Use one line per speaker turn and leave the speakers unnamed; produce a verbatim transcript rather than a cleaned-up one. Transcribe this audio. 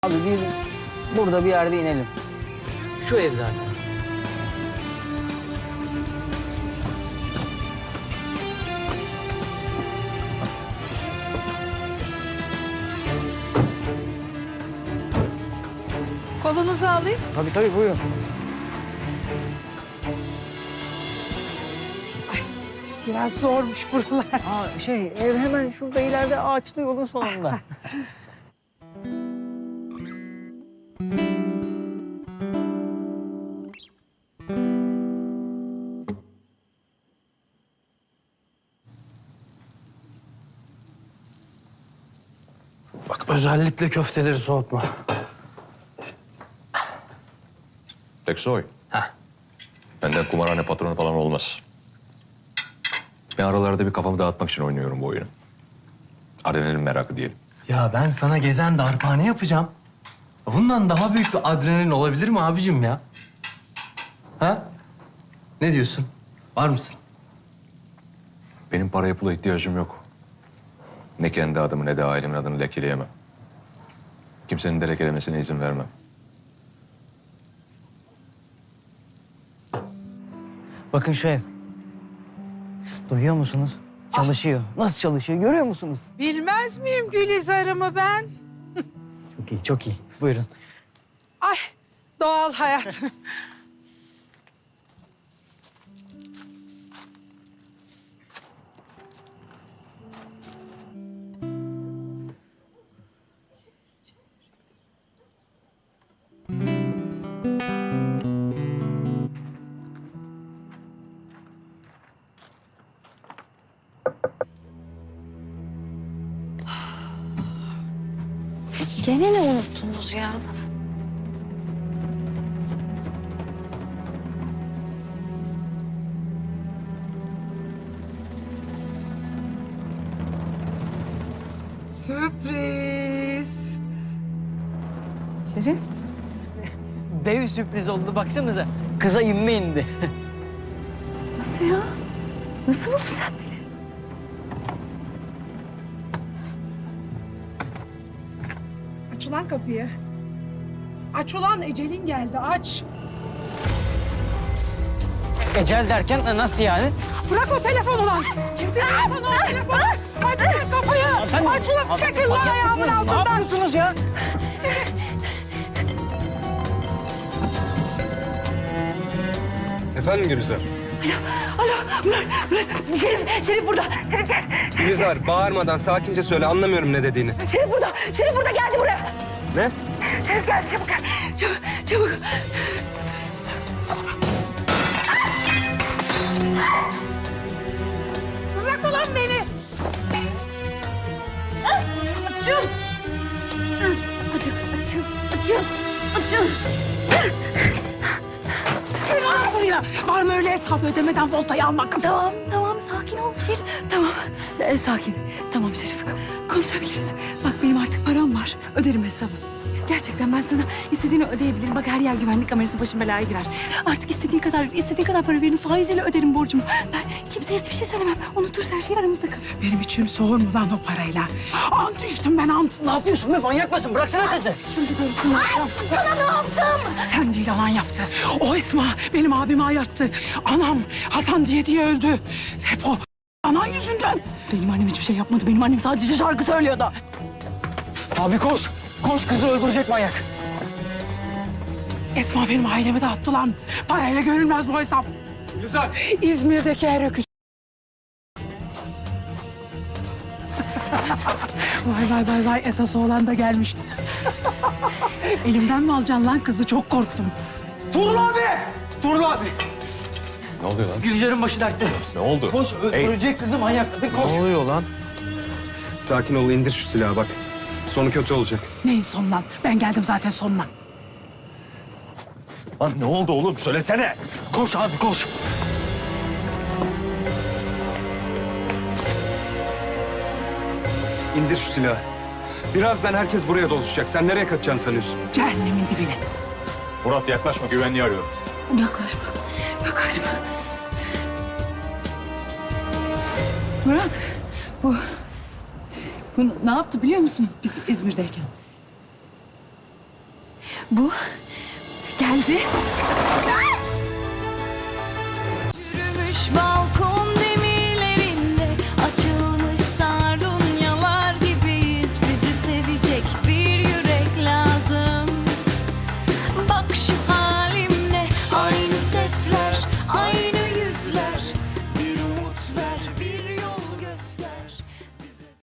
Abi biz burada bir yerde inelim. Şu ev zaten.
Kolunuzu alayım.
Tabii tabii buyurun.
Biraz zormuş buralar.
Aa, şey ev hemen şurada ileride ağaçlı yolun sonunda.
Bak özellikle köfteleri soğutma.
Teksoy. Heh. Benden kumarhane patronu falan olmaz. Ben aralarda bir kafamı dağıtmak için oynuyorum bu oyunu. Adrenalin merakı diyelim.
Ya ben sana gezen darphane yapacağım. Bundan daha büyük bir adrenalin olabilir mi abicim ya? Ha? Ne diyorsun? Var mısın?
Benim paraya pula ihtiyacım yok. Ne kendi adımı ne de ailemin adını lekeleyemem. Kimsenin de lekelemesine izin vermem.
Bakın şu ev. Duyuyor musunuz? Çalışıyor. Nasıl çalışıyor görüyor musunuz?
Bilmez miyim Gülizar'ımı ben?
Çok iyi çok iyi. Buyurun.
Ay doğal hayat.
Gene ne unuttunuz ya?
Sürpriz.
Şerif. Dev sürpriz oldu baksanıza. Kıza inme indi.
Nasıl ya? Nasıl buldun sen beni?
Aç ulan kapıyı. Aç ulan ecelin geldi aç.
Ecel derken e, nasıl yani?
Bırak o telefonu lan. Kim bilir sana o telefonu? Aç ulan kapıyı.
Hanımefendi,
Aç ulan çekil lan
manyak
ayağımın
mısınız? Ne
altından.
yapıyorsunuz ya?
Efendim Gülizar?
Alo, Murat, Murat. Şerif, Şerif burada. Şerif gel.
Gülizar bağırmadan sakince söyle, anlamıyorum ne dediğini.
Şerif burada. Şerif burada geldi buraya.
Ne?
Şerif geldi çabuk gel. Çabuk, çabuk.
Bırak ulan beni.
Açın. Hadi açın, açın, açın.
Ulan buraya. Var mı öyle hesabı ödemeden voltayı almak?
Tamam, tamam. Sakin ol Şerif. Tamam. Ee, sakin. Tamam Şerif. Konuşabiliriz. Bak benim artık param var. Öderim hesabı. Gerçekten ben sana istediğini ödeyebilirim. Bak her yer güvenlik kamerası başım belaya girer. Artık istediğin kadar, istediğin kadar para verin. Faiziyle öderim borcumu. Ben kimseye hiçbir şey söylemem. Unuturuz her şey aramızda kalır.
Benim içim soğur mu lan o parayla? Ant içtim ben ant.
Ne yapıyorsun be manyak mısın? Bıraksana kızı.
Şimdi görürsün.
Sana ne yaptım?
Sen değil anan yaptı. O Esma benim abimi ayarttı. Anam Hasan diye diye öldü. Hep o anan yüzünden.
Benim annem hiçbir şey yapmadı. Benim annem sadece şarkı söylüyordu.
Abi koş. Koş kızı öldürecek manyak.
Esma benim ailemi dağıttı lan. Parayla görülmez bu hesap.
Gülizar!
İzmir'deki her öküz. Vay vay vay vay esas oğlan da gelmiş. Elimden mi alacaksın lan kızı? Çok korktum.
Turul abi. Turul abi.
Ne oluyor lan?
Gülcer'in başı dertte.
Ne oldu?
Koş
Ey,
öldürecek kızı manyak. Hadi koş.
Ne oluyor lan?
Sakin ol, indir şu silahı bak. Sonu kötü olacak.
Neyin son lan? Ben geldim zaten sonuna.
lan ne oldu oğlum? Söylesene.
Koş abi koş.
İndir şu silahı. Birazdan herkes buraya doluşacak. Sen nereye kaçacaksın sanıyorsun?
Cehennemin dibine.
Murat yaklaşma, güvenliği arıyorum.
Yaklaşma. Yaklaşma.
Murat, bu... Bu ne yaptı biliyor musun biz İzmir'deyken?
Bu geldi.
Yürümüş balkon